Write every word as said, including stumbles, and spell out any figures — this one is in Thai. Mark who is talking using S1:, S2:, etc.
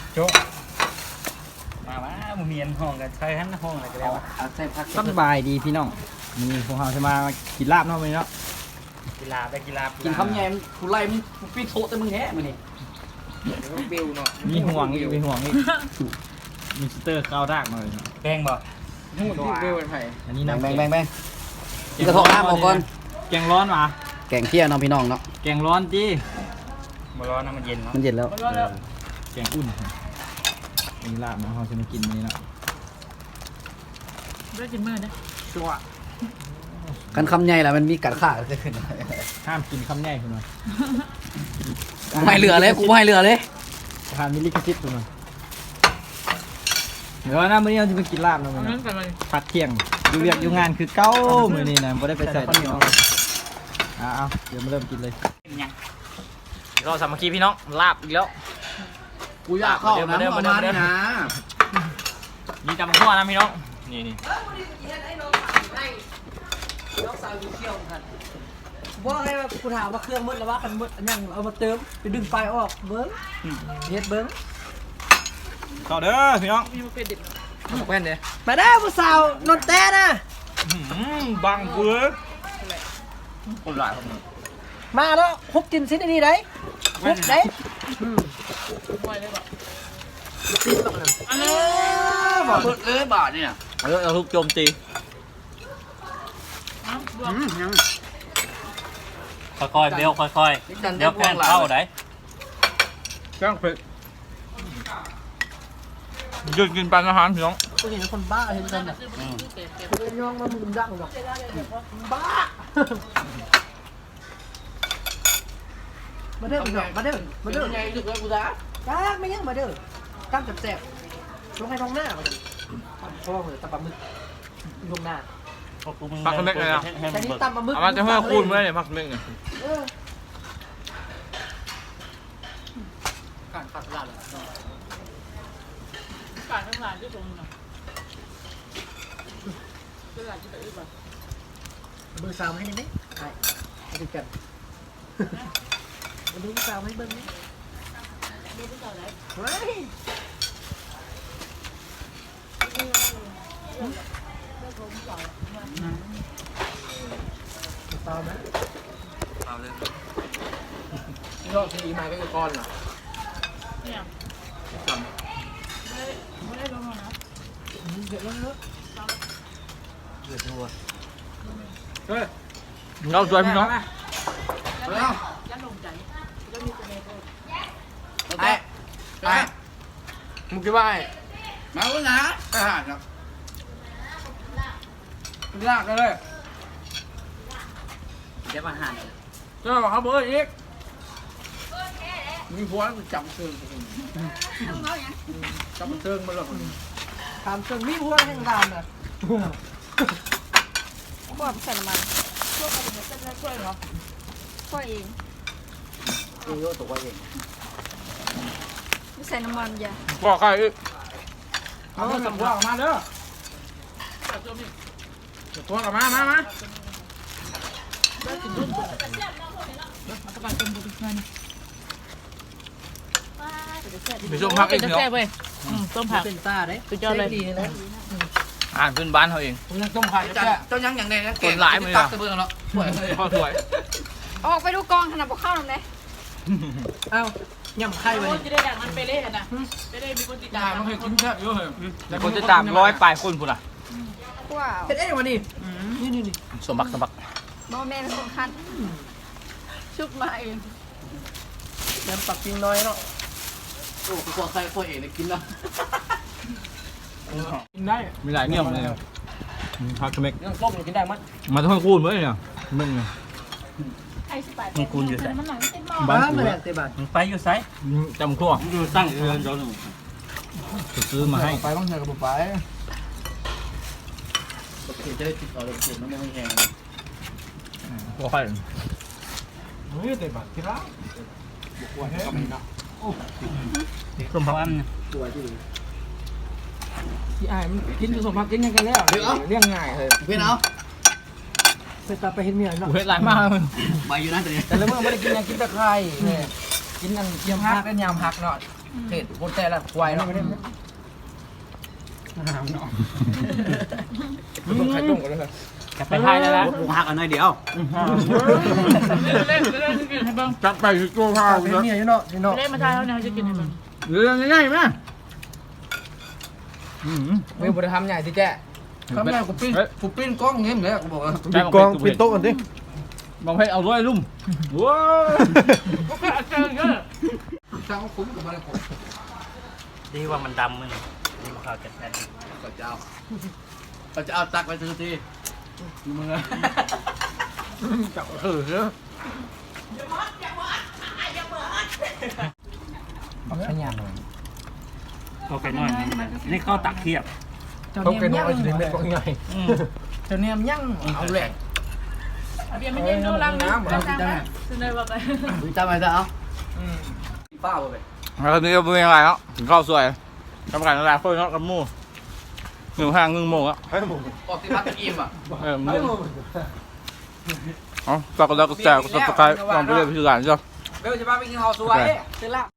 S1: โจ๊ะมาว่ามึงเมียนห้องกันใช่ฮันห้องอะไรกันแล้วใช่พัก
S2: สบายดีพี่น้องมีพวกเราจะมากินลาบเนาะมื้อนี้เนาะ
S1: กีฬาได้กีฬา
S3: กิ
S1: กิ
S3: นคำแยมกูไล่มึงกูปีโถแต่มึงแฮะมึงนี่เบลเนาะ
S2: มีห่วงอีกมีห่วงอีกมีสเตอร์ข้าวรากหน่อยเนาะ
S1: แกงบ่
S3: ทั้งหมดที่เบลเป็นไผ่
S2: อันนี้
S3: แบ่
S2: น้ำ
S3: งแบ่งแบ่งแบ่งกินกระทงน้ำหมดก่อน
S2: แกงร้อนมา
S3: แกงเที่ยงน้องพี่น้องเนาะ
S2: แกงร้อนจี
S1: มาร้อนนะมันเย็นเนาะ
S3: มันเย็นแล้ว
S2: แกงอุ่นมีลาบเนาะเราจะมากินนี้เนาะ
S4: ได้กินมื้อนะชัว
S3: กันคำใหญ่แหละมันมีกัดขาเกิดขึ้น
S2: ห้ามกินคำแน่คุณหน่อย
S3: ไม่เหลือเลยกูไม่เหลือเลย
S2: ทานมิลลิกซิตคุณหน่อยเดี๋ยวนะมื้อนี้เราจะมากินลาบเนาะมื้อ
S4: นั่
S2: นี้
S4: นกันเลย
S2: พักเที่ยงอยู่เวียกอยู่งานคือเก้ามื้อนี้นะไม่ได้ไปใส่ที่เนาะอ่าเอาเดี๋ยวมาเริ่มกินเลย
S1: ยัง
S2: เราสามัคคีพี่น้องลาบอีกแล้ว
S3: กูอยากเข้าน้ำประมาณนี้นะ
S2: มีตำขั้วนะพี่น้องนี่นี่
S5: ว่าไงว่ากูถามว่าเครื่องมืดแล้วว่าคันมืดอันยังเอามาเติมไปดึงไฟออกเบิ้งเฮ็ดเบิ้ง
S2: ต่อเด้อพี่น้อง
S4: มีมาเป็นเด็ด
S3: แว่นเด้
S5: มาได้ผู้สาวนนแต่นะ
S2: บังเบือ
S3: คนหลายคน
S5: มาแล้วฮุบกินซินนี่ได้ฮุบได้
S4: ไว้เลยแบบ
S5: อันนี้
S3: บาทเอ้ยบาทเนี่ย
S2: เออเอาทุกโจมตี
S4: น้ำรวม
S3: ยัง
S1: ค่อยๆเบลค่อยๆเดี๋ยวแพนเข้าได้
S2: จ้างเผ็ดหยุดกินปลาอาหารพี่น้อง
S5: กูเห็นคนบ้าเห็นคนอ่ะ
S4: ซื้อมาซื้อแก่แก่
S5: กูเป็นย่องมามึงดังหรอกบ้ามาเด้อมาเด้อมาเด้อ
S3: ใหญ่สุดเลยกูจ้า
S5: จ้าไม่ยังมาเด้อตั้งจับแสบลงให้ท้องหน้ามาดิพ่อเหมือนตำปลาหมึกลงหน้า
S2: พักเล็กเลยนะ
S5: แต่นี่ตำปลาหมึก
S2: เอามาจะเพิ่มคูณไม่ได้เนี่ยพักเล็กเนี่ย
S5: เออ
S3: การขาดตลาดเลย
S4: การทั้งหลายที่ตรงนี้เป็นหลายที่ไหนบ้าง
S5: เบอร์สามให้ได้ไหมใช่มาดูกันมาดูสาวให้เบิ้งนี่
S4: ดูที่เก่าไหน
S5: เฮ้ยเปล่าไหม
S3: เอาเลยนี่ก็ทีมาก็คือก้อนเหรอ
S4: เนี่ยไม่ได้ไม่ได้ลงมานะ
S5: เดี๋ยวแล้วเนอะ
S3: เดือดรัว
S2: เราช่วยพี่น้อง
S3: แล้ว
S4: ยันลงใจแล้วมีตัวเองก็
S3: ไอ้ไอ้มึงคิดว่าไอ้มาแล้วนะทหารครับลากเลยเดี๋ยวมาหันเจ้าครับเบอร์อีกมีหัวมันจับเชิงจับเชิงมาหรอก
S5: ถามจนมีหัวแห่งดามน่ะ
S6: คั่วใส่น้ำมัน
S4: ช่วยกันเป็นเส้นช่วยเหรอ
S6: คั่วเอง
S3: เออตัวเอง
S6: ไม่ใส่น้ำมันอย่า
S2: บอกใครอีก
S3: เอาตัวสับหัวออกมาเด้อ
S4: แต่ตัวนี้
S3: ตัวออกมามามา
S4: ได้กินรุ่นอัตราเป็นบุตรเงิน
S2: มีส้มพักอีก
S4: จะ
S2: พี่น้อ
S4: แก้
S2: ง
S4: เว้ยต้มผัก
S5: เป็นตาเด้
S4: สุดยอดเลย
S5: ดีนะ
S2: อ่านพื้นบ้านเขาเอง
S3: มึงต้องผ่านเจ้าเจ้ายังอย่างใดนะตักตะเบืองแล้วสวยเลย
S2: พ่อสวย
S6: ออกไปดูกองขนาดบ่เข้าหน่อยเลย
S5: เอ้าย่ำไข่ไว้
S4: โอ้จะได้ดังมันไปเล่กันนะไปเล่มีคนติดตาม
S3: มันเคยกินแค่เยอะเลย
S2: แต่คนจะตามร้อยปลายคนพุ่นอ่ะ
S6: ว้าว
S5: เป็นเอ๊ะวันนี้นี่นี่นี่
S2: สมบักสมบัก
S6: บ่แม่เป็นคนคันชุบมาเอง
S5: แยำปักกิ่งน้อยเนาะ
S3: โอ้ตัวใครตัวเองกินแล้ว
S5: กินได้
S2: มีหลายเนี่ยเลยพักเม็ก
S3: เรื่องต้มกินได้มั้ย
S2: มาต้องคูณไว้เนี่ยมึงเนี่ย
S4: ไอ้สิบแปด
S1: มึงคูณอยู่ใส่
S4: มันหนังเต็มหม้อ
S5: บ้า
S2: บ้าน
S5: มา
S2: กู
S5: แล้เตะบาน
S1: มึงไปอยู่ไซ
S2: จำขั้ว
S1: อยู่ตั้งเรือนเจ้าหนู
S2: ซื้อมาให้
S3: ไปต้องเจอกับไปโอเคจะได้ติดต่อเลยเขียนมันไม่แห้ง
S2: ขั้วไข่
S5: เฮ้ยเตะบานที่ร้าน
S3: หัวแห้งนะ
S1: ส้มพักอัน
S3: ตัวที่
S5: ที่อ้ายมันกินผสมผักกินยังกันแล้วเรื่องง่ายเลย
S3: เพื่อนเอา
S5: ไปตาไปเห็นเมียเนาะ
S2: กูเฮ็ดหลายมากเลย
S3: ไปอยู่นะตัวนี้
S5: แต่ละเมื่อไม่ได้กินยังกินแต่ไข่เนี่ยกินอันยำผักกันยำผักเนาะ
S3: เทศคนแต่ละควายเนาะมึงใครต้มกันเลย
S1: กลับไปไทยแล้วนะ
S2: บุกหักอันน้อยเดียว
S4: เล่นเล่นจะกินให้บ้าง
S3: จับไปคือตัวข้าว
S5: เป็นเมียอยู่เนาะพี่เนาะ
S4: เล่นมาทายแล้วเนี่ยจะกินให้บ้าง
S3: เรื่องง่ายๆมั้ยไม่บริทำใหญ่ที่แจ้ทำใหญ่กูปิ้นกูปิ้นกล้องเงี้ยเลยกูบอกว่า
S2: ปิดกองปิดโต๊ะกันดิ
S3: บางเพเอาด้วยลุ่มว้า
S4: ก็แค่เจอเยอะ
S3: ช่างคุ้มกับมันผม
S1: ดีว่ามันดำมึงดีกว่าข้าวแกะแพท
S3: ก็จะเอาก็จะเอาตักไปซื้อทีดูมึงอะจับเออเนอะขยันเลย
S1: ก็ไปน้อยนี่ข้าวตักเทียบ
S3: เขาเป็นน้อยจริงๆก็ง่ายเจ้าเนี่ยมยั่งเอาแหลก
S4: เบียร์ไม่ยังดูรังนะรังนะซื้อเลยว่าไป
S3: จำไว้ซะเอาป้าไป
S7: แล้วนี้ก็เป็นยังไงครับถึงข้าวสวยกำลังอะไรเพื่อนเนาะกับหมู่หนึ่งห้างหนึ่งโมงอ่ะ
S3: ออกที่พักอิ่มอ่ะ
S7: เออมึงอ๋อฝากกดไลค์กดแชร์กดซับสไครต์ลองไปเรื่อยไปสื่อสารจ้ะ
S3: เบลจะพาไปกินข้าวสวยซื้อละ